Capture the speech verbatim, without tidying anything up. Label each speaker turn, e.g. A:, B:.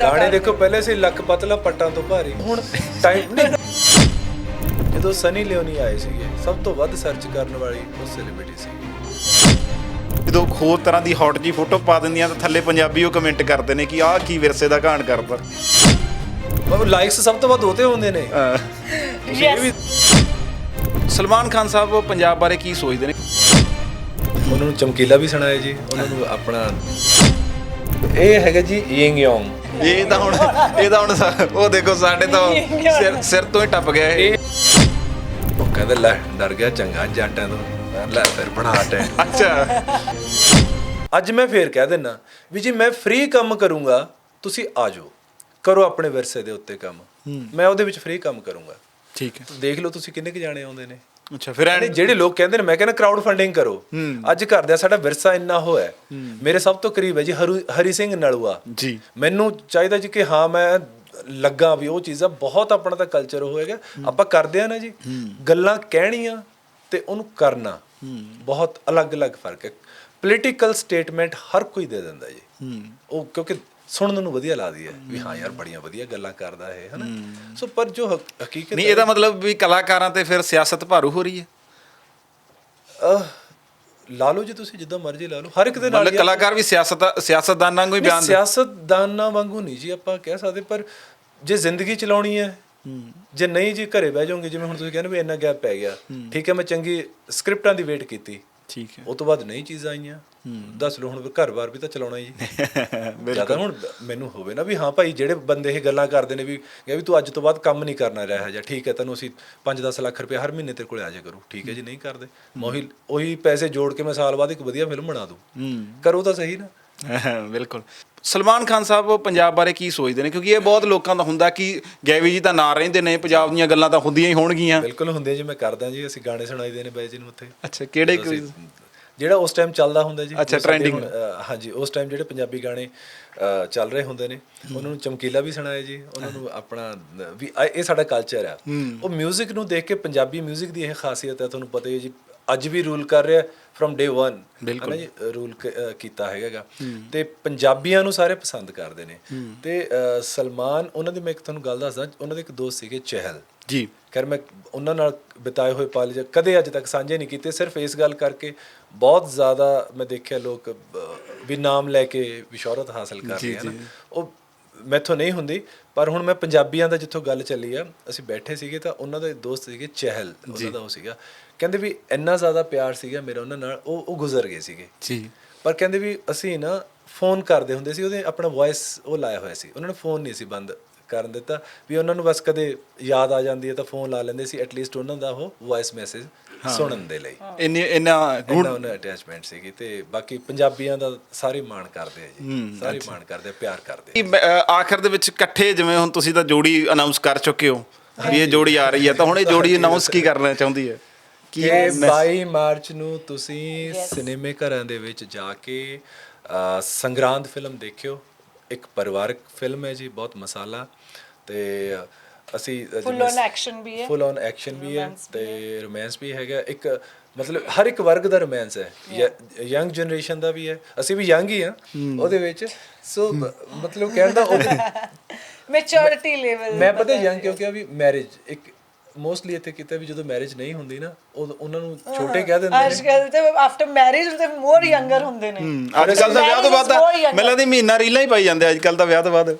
A: ਗਾਣੇ ਦੇਖੋ ਪਹਿਲੇ ਸੀ ਲੱਕ ਪਤਲਾ ਪੱਟਾਂ ਤੋਂ ਭਾਰੀ ਹੁਣ ਟਾਈਮ ਨਹੀਂ ਜਦੋਂ ਸਨੀ ਲਿਓਨੀ ਆਏ ਸੀਗੇ ਸਭ ਤੋਂ ਵੱਧ ਸਰਚ ਕਰਨ ਵਾਲੀ ਉਹ ਸੈਲੀਬ੍ਰਿਟੀ ਸੀ
B: ਜਦੋਂ ਹੋਰ ਤਰ੍ਹਾਂ ਦੀ ਹੌਟ ਜੀ ਫੋਟੋ ਪਾ ਦਿੰਦੀਆਂ ਤਾਂ ਥੱਲੇ ਪੰਜਾਬੀ ਉਹ ਕਮੈਂਟ ਕਰਦੇ ਨੇ ਕਿ ਆਹ ਕੀ ਵਿਰਸੇ ਦਾ ਘਾਣ ਕਰਦਾ
A: ਮਤਲਬ ਲਾਈਕਸ ਸਭ ਤੋਂ ਵੱਧ ਉਹਤੇ ਹੁੰਦੇ ਨੇ ਤੁਸੀਂ ਇਹ ਵੀ
B: ਸਲਮਾਨ ਖਾਨ ਸਾਹਿਬ ਪੰਜਾਬ ਬਾਰੇ ਕੀ ਸੋਚਦੇ ਨੇ
A: ਉਹਨਾਂ ਨੂੰ ਚਮਕੀਲਾ ਵੀ ਸੁਣਾਇਆ ਜੀ ਉਹਨਾਂ ਨੂੰ ਆਪਣਾ ਇਹ ਹੈਗਾ ਜੀ ਯਿੰਗ ਯੋਂਗ
B: ਇਹ ਤਾਂ ਹੁਣ ਇਹ ਤਾਂ ਹੁਣ ਸਾ- ਉਹ ਦੇਖੋ ਸਾਡੇ ਤਾਂ ਸਿਰ ਸਿਰ ਤੋਂ ਹੀ ਟੱਪ ਗਿਆ ਇਹ
A: ਉਹ ਕਹਿੰਦਾ ਲੈ ਡਰ ਗਿਆ ਚੰਗਾ ਜੱਟਾਂ ਤੋਂ ਲੈ ਫਿਰ ਬਣਾ ਟੈ
B: ਅੱਛਾ
A: ਅੱਜ ਮੈਂ ਫੇਰ ਕਹਿ ਦਿੰਨਾ ਵੀ ਜੀ ਮੈਂ ਫ੍ਰੀ ਕੰਮ ਕਰੂੰਗਾ ਤੁਸੀਂ ਆ ਜਾਓ ਕਰੋ ਆਪਣੇ ਵਿਰਸੇ ਦੇ ਉੱਤੇ ਕੰਮ ਮੈਂ ਉਹਦੇ ਵਿੱਚ ਫ੍ਰੀ ਕੰਮ ਕਰੂੰਗਾ
B: ਠੀਕ ਹੈ
A: ਦੇਖ ਲਓ ਤੁਸੀਂ ਕਿੰਨੇ ਕੁ ਜਾਣੇ ਆਉਂਦੇ ਨੇ
B: ਅੱਛਾ ਫਿਰ ਐਂ
A: ਜਿਹੜੇ ਲੋਕ ਕਹਿੰਦੇ ਨੇ ਮੈਂ ਕਹਿੰਦਾ ਕਰਾਊਡ ਫੰਡਿੰਗ ਕਰੋ ਅੱਜ ਘਰ ਦਾ ਸਾਡਾ ਵਿਰਸਾ ਇੰਨਾ ਹੋਇਆ ਮੇਰੇ ਸਭ ਤੋਂ ਕਰੀਬ ਹੈ ਜੀ ਹਰੂ- ਹਰੀ ਸਿੰਘ ਨਲੂਆ
B: ਜੀ
A: ਮੈਨੂੰ ਚਾਹੀਦਾ ਜੀ ਕਿ ਹਾਂ ਮੈਂ ਲੱਗਾ ਵੀ ਉਹ ਚੀਜ਼ਾਂ ਬਹੁਤ ਆਪਣਾ ਤਾਂ ਕਲਚਰ ਹੋਏਗਾ ਆਪਾਂ ਕਰਦੇ ਆ ਨਾ ਜੀ ਗੱਲਾਂ ਕਹਿਣੀਆਂ ਤੇ ਉਹਨੂੰ ਕਰਨਾ ਬਹੁਤ ਅਲੱਗ-ਅਲੱਗ ਫਰਕ ਹੈ ਪੋਲੀਟੀਕਲ ਸਟੇਟਮੈਂਟ ਹਰ ਕੋਈ ਦੇ ਦਿੰਦਾ ਜੀ ਉਹ ਕਿਉਂਕਿ ਸੁਣਨ ਨੂੰ ਵਧੀਆ ਲੱਗਦੀ ਹੈ ਵੀ ਹਾਂ ਯਾਰ ਬੜੀਆਂ ਵਧੀਆ ਗੱਲਾਂ ਕਰਦਾ ਹੈ ਹਨਾ ਸੋ ਪਰ ਜੋ ਹਕ- ਹਕੀਕਤ
B: ਨਹੀਂ ਇਹਦਾ ਮਤਲਬ ਵੀ ਕਲਾਕਾਰਾਂ ਤੇ ਫਿਰ ਸਿਆਸਤ ਭਾਰੂ ਹੋ ਰਹੀ ਹੈ
A: ਅਹ, ਲਾ ਲਓ ਜੀ ਤੁਸੀਂ ਜਿੱਦਾਂ ਮਰਜ਼ੀ ਲਾ ਲਓ ਹਰ ਇੱਕ ਦੇ ਨਾਲ
B: ਮਤਲਬ ਕਲਾਕਾਰ ਵੀ ਸਿਆਸਤ ਸਿਆਸਤਦਾਨਾਂ ਵਾਂਗੂ ਹੀ ਬਿਆਨ ਦੇ
A: ਸਿਆਸਤਦਾਨਾਂ ਵਾਂਗੂ ਨਹੀਂ ਜੀ ਆਪਾਂ ਕਹਿ ਸਕਦੇ ਪਰ ਜੇ ਜ਼ਿੰਦਗੀ ਚਲਾਉਣੀ ਹੈ ਜੇ ਨਹੀਂ ਜੀ ਘਰੇ ਬਹਿ ਜਾਓਗੇ ਜਿਵੇਂ ਹੁਣ ਤੁਸੀਂ ਕਹਿੰਦੇ ਵੀ ਇੰਨਾ ਗੈਪ ਪੈ ਗਿਆ ਠੀਕ ਹੈ ਮੈਂ ਚੰਗੀ ਸਕ੍ਰਿਪਟਾਂ ਦੀ ਵੇਟ ਕੀਤੀ
B: ਠੀਕ ਹੈ
A: ਉਹ ਤੋਂ ਬਾਅਦ ਨਹੀਂ ਚੀਜ਼ਾਂ ਆਈਆਂ ਦੱਸ ਲਓ ਹੁਣ ਘਰ-ਬਾਰ ਵੀ ਤਾਂ ਚਲਾਉਣਾ ਜੀ ਜਿਆਦਾ ਹੁਣ ਮੈਨੂੰ ਹੋਵੇ ਨਾ ਵੀ ਹਾਂ ਭਾਈ ਜਿਹੜੇ ਬੰਦੇ ਇਹ ਗੱਲਾਂ ਕਰਦੇ ਨੇ ਵੀ ਵੀ ਤੂੰ ਅੱਜ ਤੋਂ ਬਾਅਦ ਕੰਮ ਨਹੀਂ ਕਰਨਾ ਰਿਹਾ ਜਾਂ ਠੀਕ ਹੈ ਤੈਨੂੰ ਅਸੀਂ ਪੰਜ ਦਸ ਲੱਖ ਰੁਪਏ ਹਰ ਮਹੀਨੇ ਤੇਰੇ ਕੋਲ ਆ ਜਾ ਕਰੂ ਠੀਕ ਹੈ ਜੀ ਨਹੀਂ ਕਰਦੇ ਮੈਂ ਉਹੀ ਉਹੀ ਪੈਸੇ ਜੋੜ ਕੇ ਮੈਂ ਸਾਲ ਬਾਅਦ ਇੱਕ ਵਧੀਆ ਫਿਲਮ ਬਣਾ ਦੂੰ ਕਰੋ ਤਾਂ ਸਹੀ ਨਾ
B: ਬਿਲਕੁਲ ਸਲਮਾਨ ਖਾਨ ਸਾਹਿਬ ਪੰਜਾਬ ਬਾਰੇ ਕੀ ਸੋਚਦੇ ਨੇ ਕਿਉਂਕਿ ਇਹ ਬਹੁਤ ਲੋਕਾਂ ਦਾ ਹੁੰਦਾ ਕਿ ਗੈਵੀ ਜੀ ਤਾਂ ਨਾ ਰਹਿੰਦੇ ਨੇ ਪੰਜਾਬ ਦੀਆਂ ਗੱਲਾਂ ਤਾਂ ਹੁੰਦੀਆਂ ਹੀ ਹੋਣਗੀਆਂ
A: ਬਿਲਕੁਲ ਹੁੰਦੇ ਜੀ ਮੈਂ ਕਰਦਾ ਜੀ ਅਸੀਂ ਗਾਣੇ ਸੁਣਾਈਦੇ ਨੇ ਬਾਈ ਜੀ ਨੂੰ ਉੱਥੇ
B: ਅੱਛਾ ਕਿਹੜੇ
A: ਜਿਹੜਾ ਉਸ ਟਾਈਮ ਚੱਲਦਾ ਹੁੰਦਾ ਜੀ
B: ਅੱਛਾ, trending।
A: ਹਾਂਜੀ ਉਸ ਟਾਈਮ ਜਿਹੜੇ ਪੰਜਾਬੀ ਗਾਣੇ ਅ, ਚੱਲ ਰਹੇ ਹੁੰਦੇ ਨੇ ਉਹਨਾਂ ਨੂੰ ਚਮਕੀਲਾ ਵੀ ਸੁਣਾਇਆ ਜੀ ਉਹਨਾਂ ਨੂੰ ਆਪਣਾ ਵੀ ਆ- ਇਹ ਸਾਡਾ ਕਲਚਰ ਆ ਉਹ 뮤직 ਨੂੰ ਦੇਖ ਕੇ ਪੰਜਾਬੀ 뮤직 ਦੀ ਇਹ ਖਾਸੀਅਤ ਹੈ ਤੁਹਾਨੂੰ ਪਤਾ ਹੀ ਹੈ ਜੀ ਅੱਜ ਵੀ ਰੂਲ ਕਰ ਰਿਹਾ ਫਰਮ ਡੇ ਵਨ ਹੈ ਨਾ ਜੀ ਰੂਲ ਕੀਤਾ ਹੈਗਾ ਤੇ ਪੰਜਾਬੀਆਂ ਨੂੰ ਸਾਰੇ ਪਸੰਦ ਕਰਦੇ ਨੇ ਤੇ ਅ, ਸਲਮਾਨ ਉਹਨਾਂ ਦੀ ਮੈਂ ਇੱਕ ਤੁਹਾਨੂੰ ਗੱਲ ਦੱਸਦਾ ਉਹਨਾਂ ਦੇ ਇੱਕ ਦੋਸਤ ਸੀਗੇ ਚਹਿਲ
B: ਜੀ
A: ਖੈਰ ਮੈਂ ਉਹਨਾਂ ਨਾਲ ਬਿਤਾਏ ਹੋਏ ਪਲ ਜ ਕਦੇ ਅੱਜ ਤੱਕ ਸਾਂਝੇ ਨਹੀਂ ਕੀਤੇ ਸਿਰਫ ਇਸ ਗੱਲ ਕਰਕੇ ਬਹੁਤ ਜ਼ਿਆਦਾ ਮੈਂ ਦੇਖਿਆ ਲੋਕ ਵੀ ਨਾਮ ਲੈ ਕੇ ਵੀ ਸ਼ੋਹਰਤ ਹਾਸਲ ਕਰ ਰਹੇ ਹਨ ਉਹ ਮੈਥੋਂ ਨਹੀਂ ਹੁੰਦੀ ਪਰ ਹੁਣ ਮੈਂ ਪੰਜਾਬੀਆਂ ਦਾ ਜਿੱਥੋਂ ਗੱਲ ਚੱਲੀ ਆ ਅਸੀਂ ਬੈਠੇ ਸੀਗੇ ਤਾਂ ਉਹਨਾਂ ਦੇ ਦੋਸਤ ਸੀਗੇ ਚਹਿਲ ਉਹਨਾਂ ਦਾ ਉਹ ਸੀਗਾ ਕਹਿੰਦੇ ਵੀ ਇੰਨਾ ਜ਼ਿਆਦਾ ਪਿਆਰ ਸੀਗਾ ਮੇਰਾ ਉਹਨਾਂ ਨਾਲ ਉਹ ਉਹ ਗੁਜ਼ਰ ਗਏ ਸੀਗੇ
B: ਜੀ
A: ਪਰ ਕਹਿੰਦੇ ਵੀ ਅਸੀਂ ਨਾ ਫੋਨ ਕਰਦੇ ਹੁੰਦੇ ਸੀ ਉਹਦੇ ਆਪਣਾ ਵੌਇਸ ਉਹ ਲਾਇਆ ਹੋਇਆ ਸੀ ਉਹਨਾਂ ਨੇ ਫੋਨ ਨਹੀਂ ਸੀ ਬੰਦ ਕਰਨ ਦਿੱਤਾ ਵੀ ਉਹਨਾਂ ਨੂੰ ਬਸ ਕਦੇ ਯਾਦ ਆ ਜਾਂਦੀ ਹੈ ਤਾਂ ਫੋਨ ਲਾ ਲੈਂਦੇ ਸੀ ਐਟਲੀਸਟ ਉਹਨਾਂ ਦਾ ਉਹ ਵੌਇਸ ਮੈਸੇਜ ਸੁਣਨ ਦੇ ਲਈ
B: ਇੰਨੇ ਇੰਨਾ
A: ਗੁੱਡ ਉਹਨਾਂ ਅਟੈਚਮੈਂਟ ਸੀਗੀ ਤੇ ਬਾਕੀ ਪੰਜਾਬੀਆਂ ਦਾ ਸਾਰੇ ਮਾਣ ਕਰਦੇ ਆ ਜੀ ਸਾਰੇ ਮਾਣ ਕਰਦੇ ਆ ਪਿਆਰ ਕਰਦੇ
B: ਅ, ਆਖਰ ਦੇ ਵਿੱਚ ਇਕੱਠੇ ਜਿਵੇਂ ਹੁਣ ਤੁਸੀਂ ਤਾਂ ਜੋੜੀ ਅਨਾਉਂਸ ਕਰ ਚੁੱਕੇ ਹੋ ਵੀ ਇਹ ਜੋੜੀ ਆ ਰਹੀ ਹੈ ਤਾਂ ਹੁਣ ਇਹ ਜੋੜੀ ਅਨਾਉਂਸ ਕੀ ਕਰਨਾ ਚਾਹੁੰਦੀ ਹੈ
A: ਕਿ ਬਾਈ ਮਾਰਚ ਨੂੰ ਤੁਸੀਂ ਸਿਨੇਮੇ ਘਰਾਂ ਦੇ ਵਿੱਚ ਜਾ ਕੇ ਅ, ਸੰਗਰਾਂਦ ਫਿਲਮ ਦੇਖਿਓ ਇੱਕ ਪਰਿਵਾਰਕ ਫਿਲਮ ਹੈ ਜੀ ਬਹੁਤ ਮਸਾਲਾ ਤੇ ਅਸੀਂ
C: ਫੁੱਲ ਔਨ ਐਕਸ਼ਨ ਵੀ ਹੈ
A: ਫੁੱਲ ਔਨ ਐਕਸ਼ਨ ਵੀ ਹੈ ਤੇ ਰੋਮਾਂਸ ਵੀ ਹੈਗਾ ਇੱਕ ਮਤਲਬ ਹਰ ਇੱਕ ਵਰਗ ਦਾ ਰੋਮਾਂਸ ਹੈ ਯੰਗ ਜਨਰੇਸ਼ਨ ਦਾ ਵੀ ਹੈ ਅਸੀਂ ਵੀ ਯੰਗ ਹੀ ਆ ਉਹਦੇ ਵਿੱਚ ਸੋ ਮਤਲਬ ਕਹਿਣ ਦਾ ਉਹ
C: ਮੈਚੁਰਿਟੀ ਲੈਵਲ
A: ਮੈਂ ਪਤਾ ਯੰਗ ਕਿਉਂ ਕਿਹਾ ਵੀ ਮੈਰਿਜ ਇੱਕ ਮੋਸਟਲੀ ਇੱਥੇ ਕਿਤੇ ਵੀ ਜਦੋਂ ਮੈਰਿਜ ਨਹੀਂ ਹੁੰਦੀ ਨਾ ਉਹ ਉਹਨਾਂ ਨੂੰ ਛੋਟੇ ਕਹਿ ਦਿੰਦੇ ਨੇ
C: ਅੱਜ ਕੱਲ ਤੇ ਆਫਟਰ ਮੈਰਿਜ ਤੇ ਮੋਰ ਯੰਗਰ ਹੁੰਦੇ ਨੇ
B: ਅੱਜ ਕੱਲ ਤਾਂ ਵਿਆਹ ਤੋਂ ਬਾਅਦ ਤਾਂ ਮੈਨੂੰ ਲੱਗਦਾ ਮਹੀਨਾ ਰੀਲਾਂ ਹੀ ਪਾਈ ਜਾਂਦੇ ਅੱਜ ਕੱਲ ਤਾਂ ਵਿਆਹ ਤੋਂ ਬਾਅਦ